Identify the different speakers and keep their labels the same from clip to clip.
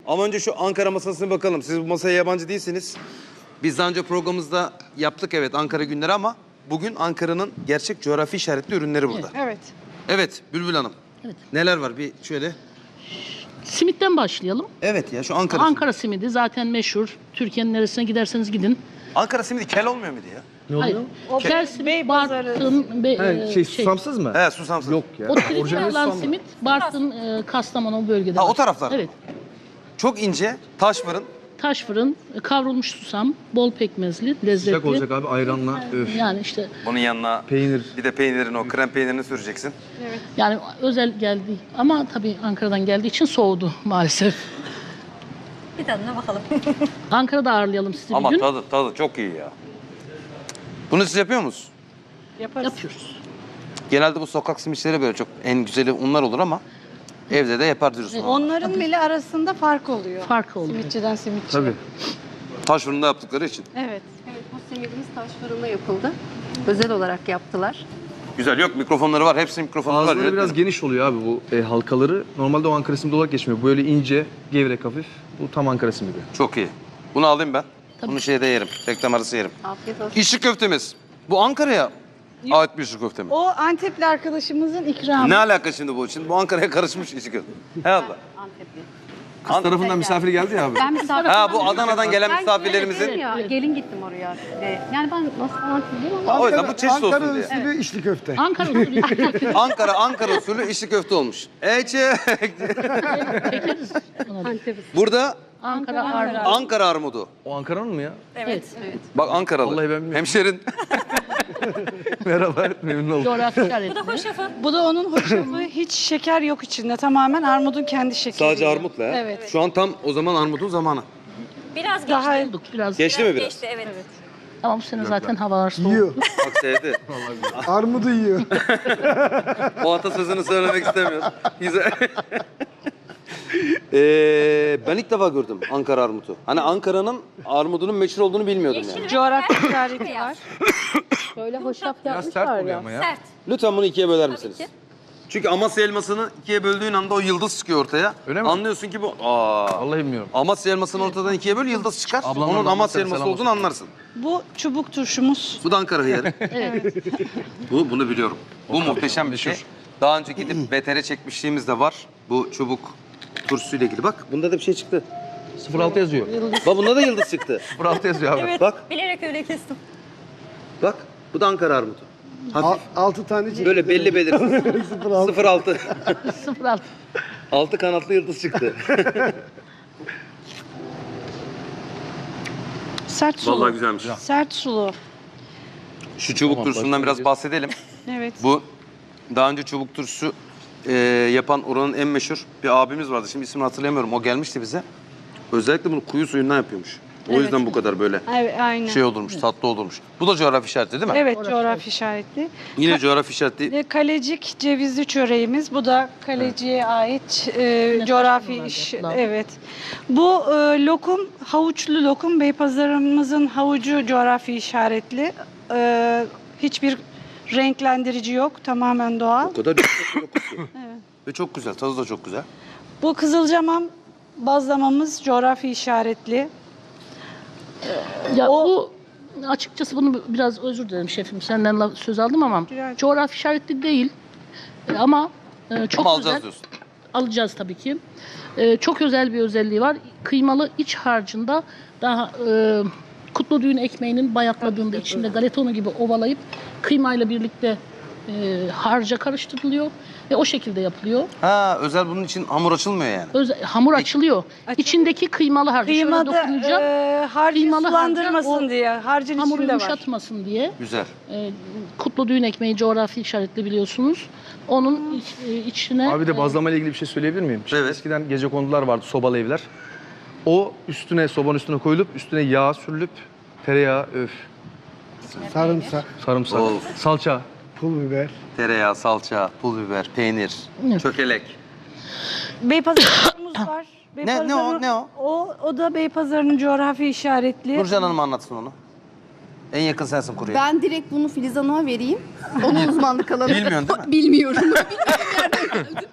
Speaker 1: Ama önce şu Ankara masasına bakalım. Siz bu masaya yabancı değilsiniz. Biz daha önce programımızda yaptık evet Ankara günleri ama bugün Ankara'nın gerçek coğrafi işaretli ürünleri burada.
Speaker 2: Evet.
Speaker 1: Evet Bülbül Hanım.
Speaker 3: Evet.
Speaker 1: Neler var bir şöyle.
Speaker 3: Simitten başlayalım.
Speaker 1: Evet ya şu Ankara.
Speaker 3: Ankara simidi zaten meşhur. Türkiye'nin neresine giderseniz gidin.
Speaker 1: Ankara simidi kel olmuyor muydu ya?
Speaker 4: Ne oluyor?
Speaker 3: Hayır.
Speaker 2: O
Speaker 3: Kel simit,
Speaker 2: Beypazarı
Speaker 3: Bartın,
Speaker 4: Susamsız mı?
Speaker 1: He susamsız.
Speaker 4: Yok ya.
Speaker 3: O
Speaker 4: Orijinali
Speaker 3: Trikyalan
Speaker 4: susam.
Speaker 3: simit Bartın, Kastamonu bölgede.
Speaker 1: Ha,
Speaker 3: var.
Speaker 1: o taraflar.
Speaker 3: Evet.
Speaker 1: Çok ince taş fırın.
Speaker 3: Taş fırın, kavrulmuş susam, bol pekmezli, lezzetli.
Speaker 4: Sıcak olacak abi ayranla. Öf.
Speaker 3: Yani işte
Speaker 1: Bunun yanına
Speaker 4: Peynir.
Speaker 1: bir de peynirin o krem peynirini süreceksin.
Speaker 3: yani özel geldi ama tabii Ankara'dan geldiği için soğudu maalesef.
Speaker 5: Bir tadına bakalım.
Speaker 3: Ankara'da ağırlayalım sizi
Speaker 1: Ama
Speaker 3: bir gün.
Speaker 1: tadı çok iyi ya. Bunu siz yapıyor musunuz?
Speaker 2: yaparız.
Speaker 3: Yapıyoruz.
Speaker 1: Genelde bu sokak simitçileri böyle çok en güzeli onlar olur ama evde de yapar diyorsun.
Speaker 2: Onların bile arasında fark oluyor.
Speaker 3: Fark oluyor.
Speaker 2: Simitçiden simitçiye.
Speaker 4: Tabii.
Speaker 1: Taş fırında yaptıkları için.
Speaker 2: Evet.
Speaker 5: Evet, bu simidimiz taş fırında yapıldı. Özel olarak yaptılar.
Speaker 1: Güzel yok mikrofonları var. Hepsinin mikrofonları var.
Speaker 4: Ağızları biraz geniş oluyor abi bu halkaları. Normalde o Ankara simidi olarak geçmiyor. Böyle ince, gevrek hafif. Bu tam Ankara simidi.
Speaker 1: Çok iyi. Bunu alayım ben.
Speaker 3: Tabii.
Speaker 1: Bunu şeyde yerim. Reklam arası yerim.
Speaker 5: Afiyet olsun.
Speaker 1: İşçi köftemiz. Bu Ankara'ya ait bir işçi köfte mi?
Speaker 2: O Antepli arkadaşımızın ikramı.
Speaker 1: Ne alaka şimdi bu? Şimdi bu Ankara'ya karışmış işçi köfte. He abla.
Speaker 5: Antepli.
Speaker 4: Kız tarafından misafir geldi ya abi.
Speaker 5: Ben misafir.
Speaker 1: Ha bu Adana'dan gelen
Speaker 5: Ben
Speaker 1: misafirlerimizin.
Speaker 5: gelin ya, gelin gittim oraya. Yani ben nasıl Antepliyim ama.
Speaker 1: O yüzden bu çeşit olsun
Speaker 6: Ankara
Speaker 1: diye.
Speaker 6: usulü içli köfte.
Speaker 3: Ankara usulü
Speaker 1: Ankara usulü işçi köfte olmuş.
Speaker 3: çekeriz.
Speaker 5: Antepli.
Speaker 1: Burada
Speaker 3: Ankara ağırlayalım.
Speaker 1: Ankara armudu.
Speaker 4: O Ankara'nın mı ya?
Speaker 3: Evet.
Speaker 1: Bak Ankaralı.
Speaker 4: Vallahi ben bilmiyorum.
Speaker 1: Hemşerin.
Speaker 4: Merhaba, memnun oldum.
Speaker 3: Coğrafi işaretli.
Speaker 2: Bu da onun hoşafı. Hiç şeker yok içinde. Tamamen armudun kendi şekeri.
Speaker 1: Sadece armutla ya.
Speaker 2: Evet.
Speaker 1: Şu an tam o zaman armudun zamanı.
Speaker 5: Biraz
Speaker 2: Daha
Speaker 3: Bulduk biraz.
Speaker 1: Geçti mi biraz?
Speaker 5: geçti, evet.
Speaker 3: Ama bu sene zaten havalar soğuk.
Speaker 6: Yiyor.
Speaker 1: Bak sevdi.
Speaker 6: Armudu yiyor.
Speaker 1: O atasözünü söylemek istemiyorum. Güzel. Ben ilk defa gördüm Ankara armutu. Hani Ankara'nın armudunun meşhur olduğunu bilmiyordum yani.
Speaker 2: Coğrafi işareti var.
Speaker 5: Böyle hoşaf
Speaker 4: Biraz
Speaker 5: yapmışlar
Speaker 4: sert oluyor
Speaker 5: ya.
Speaker 4: ama ya.
Speaker 5: Sert.
Speaker 1: Lütfen bunu ikiye böler misiniz?
Speaker 5: ki.
Speaker 1: Çünkü Amasya elmasını ikiye böldüğün anda o yıldız çıkıyor ortaya.
Speaker 4: Öyle mi?
Speaker 1: Anlıyorsun ki bu...
Speaker 4: Vallahi bilmiyorum.
Speaker 1: Amasya elmasını ortadan ikiye böl yıldız çıkar.
Speaker 4: Ablamdan
Speaker 1: Onun
Speaker 4: da
Speaker 1: Amasya
Speaker 4: selam
Speaker 1: elması
Speaker 4: olsun.
Speaker 1: olduğunu anlarsın.
Speaker 2: Bu çubuk turşumuz.
Speaker 1: Bu da Ankara hıyarı.
Speaker 3: Evet.
Speaker 1: Bunu biliyorum. Bu muhteşem bir şey. Daha önce gidip BTR çekmişliğimiz de var. Bu çubuk turşusuyla ilgili. Bak bunda da bir şey çıktı.
Speaker 4: 06 yazıyor.
Speaker 1: Bak bunda da yıldız çıktı.
Speaker 4: 06 yazıyor abi.
Speaker 1: Bak,
Speaker 5: Bilerek öyle kestim.
Speaker 1: bak. Bu da Ankara armudu. Hafif.
Speaker 6: 6 tane çıktı.
Speaker 1: Böyle belli belirsiz. 06.
Speaker 3: 06.
Speaker 1: 6 kanatlı yıldız çıktı.
Speaker 2: Sert sulu.
Speaker 1: Vallahi güzelmiş.
Speaker 2: Sert sulu.
Speaker 1: Şu çubuk turşusundan biraz bahsedelim.
Speaker 2: Evet.
Speaker 1: Bu daha önce çubuk turşusu yapan oranın en meşhur bir abimiz vardı. Şimdi ismini hatırlayamıyorum. O gelmişti bize. Özellikle bunu kuyu suyundan yapıyormuş. O
Speaker 2: Evet.
Speaker 1: yüzden bu kadar böyle
Speaker 2: Evet, aynen.
Speaker 1: şey olurmuş, tatlı olurmuş. Bu da coğrafi işareti değil mi?
Speaker 2: Evet, coğrafi işaretli.
Speaker 1: Yine coğrafi işaretli.
Speaker 2: Kalecik cevizli çöreğimiz. Bu da kaleciye ait coğrafi iş. Evet. Bu lokum, havuçlu lokum. Beypazarımızın havucu coğrafi işaretli. Hiçbir renklendirici yok. Tamamen doğal.
Speaker 1: O kadar yok ki. Ve çok güzel, tadı da çok güzel.
Speaker 2: Bu kızılcamam bazlamamız coğrafi işaretli.
Speaker 3: Ya
Speaker 2: O-
Speaker 3: bu açıkçası bunu biraz özür dilerim şefim senden söz aldım ama
Speaker 2: Rica ederim.
Speaker 3: coğrafi işaretli değil. Ama çok
Speaker 1: Ama
Speaker 3: güzel.
Speaker 1: alacağız diyorsun.
Speaker 3: Alacağız tabii ki. Çok özel bir özelliği var. Kıymalı iç harcında daha kutlu düğün ekmeğinin bayatladığında içinde galetonu gibi ovalayıp kıymayla birlikte harca karıştırılıyor ve o şekilde yapılıyor.
Speaker 1: Ha, özel bunun için hamur açılmıyor yani.
Speaker 3: Hamur açılıyor. İçindeki kıymalı harcı şöyle
Speaker 2: Kıymada
Speaker 3: dokununca
Speaker 2: harcı
Speaker 3: kıymalı
Speaker 2: sulandırmasın
Speaker 3: harca o
Speaker 2: diye. Harcın
Speaker 3: hamuru
Speaker 2: içinde var.
Speaker 3: yumuşatmasın diye.
Speaker 1: Güzel.
Speaker 3: Kutlu düğün ekmeği coğrafi işaretli biliyorsunuz. Onun içine
Speaker 4: Abi de bazlama ile ilgili bir şey söyleyebilir miyim? Şimdi
Speaker 1: Evet.
Speaker 4: eskiden gecekondular vardı, sobalı evler. O üstüne, sobanın üstüne koyulup üstüne yağ sürülüp tereyağı,
Speaker 6: Sarımsak,
Speaker 4: sarımsak,
Speaker 1: Of.
Speaker 4: salça.
Speaker 6: pul biber.
Speaker 1: Tereyağı, salça, pul biber, peynir,
Speaker 3: Evet.
Speaker 1: çökelek.
Speaker 2: Beypazarımız var.
Speaker 1: Ne o, ne o?
Speaker 2: O da Beypazarı'nın coğrafi işaretli.
Speaker 1: Nurcan Hanım anlatsın onu. En yakın sensin kuruya.
Speaker 7: Ben direkt bunu Filiz Hanım'a vereyim. Onun uzmanlık alanı.
Speaker 1: Bilmiyorsun değil mi?
Speaker 7: Bilmiyorum.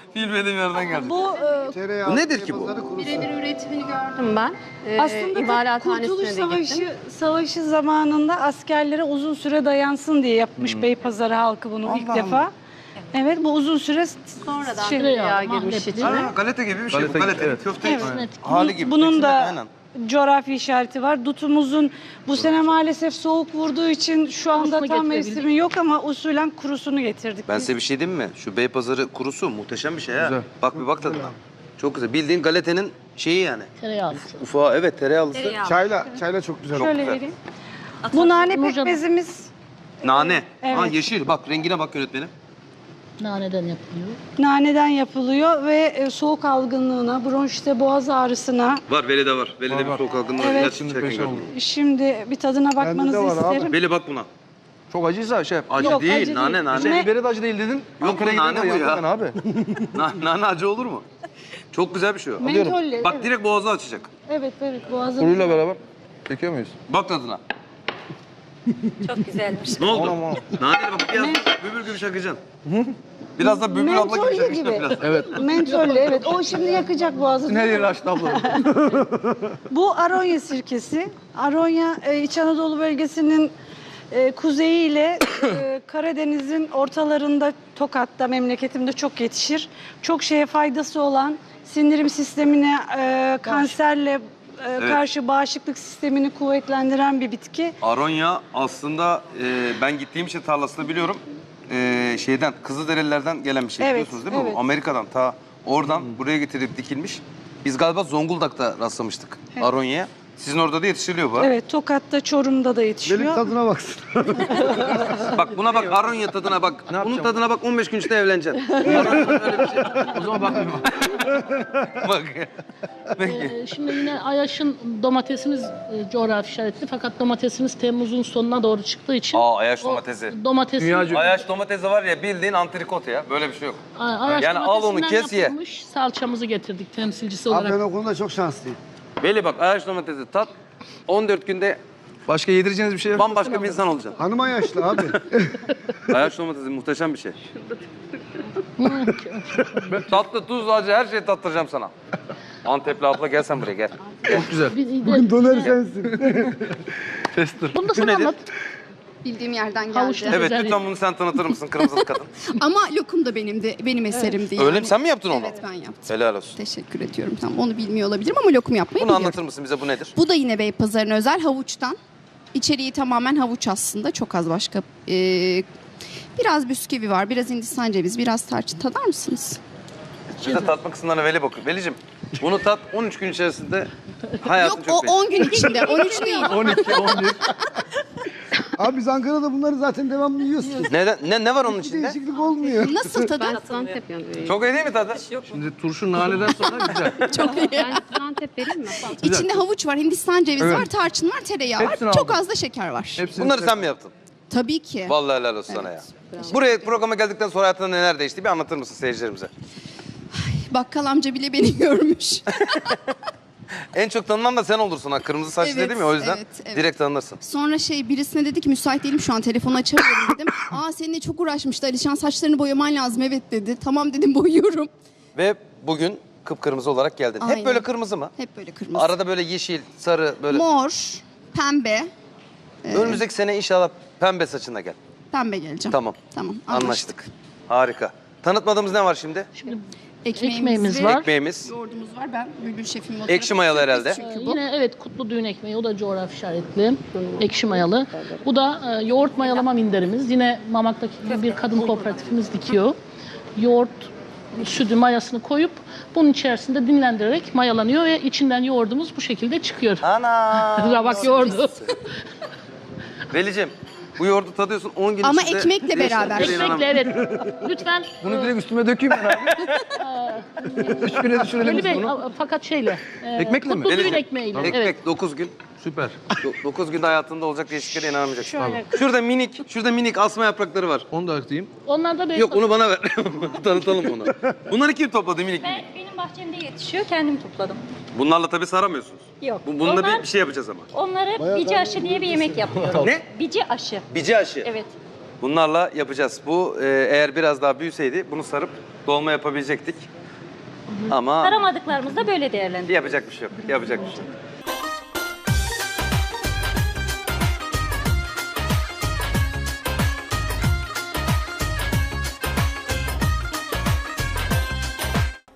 Speaker 1: Bilmediğim yerden geldi.
Speaker 2: Bu
Speaker 6: Tereyağı,
Speaker 1: Bu nedir ki bu?
Speaker 6: pazarı kurusu.
Speaker 5: Birebir üretimini gördüm ben.
Speaker 2: aslında
Speaker 5: İmalathanesine
Speaker 2: Kurtuluş
Speaker 5: de gittim.
Speaker 2: Savaşı zamanında askerlere uzun süre dayansın diye yapmış Beypazarı halkı bunu ilk defa. Evet, bu uzun süre
Speaker 5: Sonradan
Speaker 2: şey,
Speaker 5: tereyağı girmiş
Speaker 3: mahlepli.
Speaker 5: içine.
Speaker 1: Ha, galeta gibi bir şey bu.
Speaker 4: Galeta gibi,
Speaker 1: Galeta
Speaker 4: evet.
Speaker 1: köfte
Speaker 2: Evet.
Speaker 1: hali gibi.
Speaker 2: Bunun
Speaker 1: İkisinde de
Speaker 2: da
Speaker 1: aynen.
Speaker 2: coğrafi işareti var. Dutumuzun bu sene maalesef soğuk vurduğu için şu anda
Speaker 3: Kurusunu
Speaker 2: tam
Speaker 3: getirebildik.
Speaker 2: mevsimi yok ama usulen kurusunu getirdik.
Speaker 1: Ben
Speaker 2: biz.
Speaker 1: size bir şey diyeyim mi? Şu Beypazarı kurusu muhteşem bir şey ha.
Speaker 4: Güzel.
Speaker 1: Bak bir bak tadına. Çok güzel. Bildiğin galetenin şeyi yani.
Speaker 3: Tereyağlısı.
Speaker 1: Ufağı evet tereyağlısı.
Speaker 6: Çayla çok güzel oldu.
Speaker 2: Şöyle
Speaker 1: güzel.
Speaker 2: vereyim. Bu nane
Speaker 3: Nurcan-
Speaker 2: pekmezimiz
Speaker 1: Nane.
Speaker 2: Evet.
Speaker 1: Ha yeşil. Bak rengine bak yönetmenim.
Speaker 3: Naneden yapılıyor.
Speaker 2: naneden yapılıyor ve soğuk algınlığına, bronşite, boğaz ağrısına.
Speaker 1: Var Veli de var. Veli'de bir
Speaker 4: var.
Speaker 1: soğuk algınlığı
Speaker 2: Evet.
Speaker 1: var.
Speaker 4: Şimdi
Speaker 1: Gerçekten
Speaker 4: peşin
Speaker 1: gördüm.
Speaker 4: oldu.
Speaker 2: Şimdi bir tadına bakmanızı
Speaker 6: de var abi.
Speaker 2: isterim.
Speaker 1: Veli bak buna.
Speaker 4: Çok acıysa şef.
Speaker 1: Acı
Speaker 2: Yok,
Speaker 1: değil.
Speaker 2: acı
Speaker 1: nane
Speaker 2: değil.
Speaker 1: nane.
Speaker 2: Ne?
Speaker 4: Biberi de acı değil dedin.
Speaker 1: Yok,
Speaker 4: Ankara'ya
Speaker 1: nane
Speaker 4: gidene
Speaker 1: bu ya.
Speaker 4: yaptım ben abi.
Speaker 1: Nane acı olur mu? Çok güzel bir şey o.
Speaker 2: Mentolle.
Speaker 1: Bak
Speaker 2: evet.
Speaker 1: direkt boğazı açacak.
Speaker 2: Evet, boğazın.
Speaker 4: Kuruyla beraber çekiyor muyuz?
Speaker 1: Bak tadına.
Speaker 5: Çok güzelmiş.
Speaker 1: Ne oldu?
Speaker 4: Aman, aman.
Speaker 1: Nane bak biraz bülbül gibi şakacaksın. Biraz da bülbül abla gibi
Speaker 2: Mentolle
Speaker 1: şakacaksın
Speaker 2: gibi.
Speaker 1: biraz.
Speaker 4: Evet.
Speaker 2: Mentolle, evet. O şimdi yakacak boğazı.
Speaker 4: Her yeri açtı abla.
Speaker 2: Bu Aronya sirkesi. Aronya İç Anadolu bölgesinin kuzeyi ile Karadeniz'in ortalarında, Tokat'ta, memleketimde çok yetişir. Çok şeye faydası olan, sindirim sistemine, kanserle karşı bağışıklık sistemini kuvvetlendiren bir bitki.
Speaker 1: Aronya aslında ben gittiğim için tarlasını biliyorum. Şeyden, Kızılderililerden gelen bir şey
Speaker 2: Evet,
Speaker 1: biliyorsunuz değil mi?
Speaker 2: evet.
Speaker 1: Bu Amerika'dan ta oradan buraya getirip dikilmiş. Biz galiba Zonguldak'ta rastlamıştık Aronya'ya. Sizin orada da yetiştiriliyor bu.
Speaker 2: Evet, Tokat'ta, Çorum'da da
Speaker 6: Benim
Speaker 2: yetişiyor.
Speaker 6: tadına baksın.
Speaker 1: Bak buna bak Aronya tadına bak. Bunun
Speaker 4: yapacağım?
Speaker 1: tadına bak 15 gün içinde evleneceksin. Aronya'nın öyle bir şey.
Speaker 4: O zaman bakmıyorum.
Speaker 1: Bak. Peki.
Speaker 3: Şimdi yine Ayaş'ın domatesimiz coğrafi işaretli fakat domatesimiz Temmuz'un sonuna doğru çıktığı için
Speaker 1: Ayaş
Speaker 3: o
Speaker 1: domatesi.
Speaker 3: domatesin
Speaker 4: Dünyaca-
Speaker 1: Ayaş domatesi var ya bildiğin antrikot ya. Böyle bir şey yok.
Speaker 3: Ayaş
Speaker 1: Yani al onu,
Speaker 3: domatesinden
Speaker 1: kes ye.
Speaker 3: yapılmış salçamızı getirdik temsilcisi
Speaker 6: Abi
Speaker 3: olarak.
Speaker 6: ben o konuda çok şanslıyım.
Speaker 1: Veli bak Ayaş domatesi tat. 14 günde
Speaker 4: Başka yedireceğiniz bir şey yok.
Speaker 1: bambaşka bir insan olacaksın.
Speaker 6: Hanıma yaşlı abi.
Speaker 1: Ayaş domatesi muhteşem bir şey. Tatlı, tuz, acı her şeyi tattıracağım sana. Antepli abla gel sen buraya gel.
Speaker 4: Çok güzel.
Speaker 3: Bugün
Speaker 6: Doner sensin.
Speaker 4: Tester.
Speaker 3: Bunu da sen
Speaker 1: nedir?
Speaker 3: anlat.
Speaker 7: Bildiğim yerden geldi.
Speaker 3: Havuçlu.
Speaker 1: Evet
Speaker 3: Güzel.
Speaker 1: lütfen bunu sen tanıtır mısın kırmızılı kadın?
Speaker 7: Ama lokum da benim eserimdi yani.
Speaker 1: Öyle mi? Sen mi yaptın onu?
Speaker 7: Evet ben yaptım.
Speaker 1: Helal olsun.
Speaker 7: Teşekkür ediyorum. Tamam onu bilmiyor olabilirim ama lokum yapmayı
Speaker 1: Bunu
Speaker 7: biliyorum.
Speaker 1: anlatır mısın bize bu nedir?
Speaker 7: Bu da yine Beypazarı'na özel havuçtan. İçeriği tamamen havuç aslında. Çok az başka. Biraz bisküvi var, biraz Hindistan cevizi, biraz tarçın. Tadar mısınız?
Speaker 1: Bize tatma kısımlarına Veli bakıyor. Velicim bunu tat 13 gün içerisinde hayatın
Speaker 7: Yok
Speaker 1: çok
Speaker 7: o
Speaker 1: değişir.
Speaker 7: 10 gün içinde. 13 değil.
Speaker 4: 12, 11.
Speaker 6: Abi biz Ankara'da bunları zaten devamlı yiyoruz.
Speaker 1: Ne var onun
Speaker 6: Hiç
Speaker 1: içinde?
Speaker 6: değişiklik olmuyor.
Speaker 7: Nasıl tadı?
Speaker 5: Ben Antep yanıyorum.
Speaker 1: Çok iyi değil mi tadı?
Speaker 4: Şimdi turşu naneden sonra güzel.
Speaker 7: Çok iyi.
Speaker 5: Ben Antep vereyim mi?
Speaker 7: İçinde havuç var, Hindistan cevizi
Speaker 4: Evet.
Speaker 7: var, tarçın var, tereyağı
Speaker 4: Hepsini
Speaker 7: var. Çok
Speaker 4: aldım.
Speaker 7: az da şeker var.
Speaker 4: Hepsini
Speaker 1: Bunları sen mi yaptın?
Speaker 7: Tabii ki.
Speaker 1: Vallahi helal olsun sana ya. Buraya programa geldikten sonra hayatında neler değişti bir anlatır mısın seyircilerimize?
Speaker 7: Bakkal amca bile beni görmüş.
Speaker 1: En çok tanınan da sen olursun ha. Kırmızı saçlı
Speaker 7: Evet,
Speaker 1: dedim ya o yüzden
Speaker 7: evet.
Speaker 1: direkt tanınırsın.
Speaker 7: Sonra birisine dedi ki müsait değilim şu an telefonu açamıyorum dedim. Aa seninle çok uğraşmıştı Alişan saçlarını boyaman lazım evet dedi. Tamam dedim boyuyorum.
Speaker 1: Ve bugün kıpkırmızı olarak geldin. Hep
Speaker 7: Aynen.
Speaker 1: böyle kırmızı mı?
Speaker 7: Hep böyle kırmızı.
Speaker 1: Arada böyle yeşil, sarı böyle.
Speaker 7: Mor, pembe.
Speaker 1: Önümüzdeki sene inşallah pembe saçına gel.
Speaker 7: Pembe geleceğim.
Speaker 1: Tamam.
Speaker 7: Tamam
Speaker 1: Anlaştık. Harika. Tanıtmadığımız ne var şimdi?
Speaker 3: Şimdi
Speaker 7: Ekmeğimiz
Speaker 3: Ekmeğimiz
Speaker 7: var.
Speaker 3: var.
Speaker 1: Ekmeğimiz.
Speaker 7: Yoğurdumuz var. Ben Bülbül şefim.
Speaker 1: Ekşi mayalı herhalde.
Speaker 7: Çünkü bu.
Speaker 3: Yine evet kutlu düğün ekmeği o da coğrafi işaretli. Ekşi mayalı. Bu da yoğurt mayalama minderimiz. Yine Mamak'taki bir kadın kooperatifimiz dikiyor. Yoğurt sütü mayasını koyup bunun içerisinde dinlendirerek mayalanıyor ve içinden yoğurdumuz bu şekilde çıkıyor.
Speaker 1: Ana.
Speaker 3: Rabak yoğurdu.
Speaker 1: Velicim bu yoğurdu tadıyorsun 10 gün
Speaker 7: Ama
Speaker 1: içinde.
Speaker 7: ekmekle beraber.
Speaker 3: Ekmekle evet. Lütfen
Speaker 4: Bunu direkt üstüme dökeyim ben abi. 3 güne düşürelim
Speaker 3: Veli
Speaker 4: biz
Speaker 3: Bey
Speaker 4: bunu.
Speaker 3: fakat şeyle.
Speaker 4: Ekmekle mi?
Speaker 3: Kutlu düğün
Speaker 1: Velicim,
Speaker 3: ekmeğiyle.
Speaker 1: Ekmek
Speaker 3: Evet.
Speaker 1: 9 gün.
Speaker 4: Süper.
Speaker 1: 9 günde hayatında olacak değişikliklere inanamayacaksın.
Speaker 2: Şöyle.
Speaker 1: Şurada minik asma yaprakları var.
Speaker 4: Onu da atayım.
Speaker 3: Onlar da
Speaker 1: Yok onu bana ver. Tanıtalım onu. Bunları kim topladı minik minik?
Speaker 8: Benim bahçemde yetişiyor, kendim topladım.
Speaker 1: Bunlarla tabii saramıyorsunuz.
Speaker 8: Yok.
Speaker 1: Bununla
Speaker 8: Onlar-
Speaker 1: bir şey yapacağız ama.
Speaker 8: Onları bici aşı diye bir yemek yapıyorum.
Speaker 1: Ne?
Speaker 8: Bici aşı.
Speaker 1: Bici aşı.
Speaker 8: Evet.
Speaker 1: Bunlarla yapacağız. Bu eğer biraz daha büyüseydi bunu sarıp Dolma yapabilecektik. Ama
Speaker 8: Aramadıklarımızda böyle değerlendiriyoruz.
Speaker 1: yapacak bir şey yok. Yapacak bir şey yok.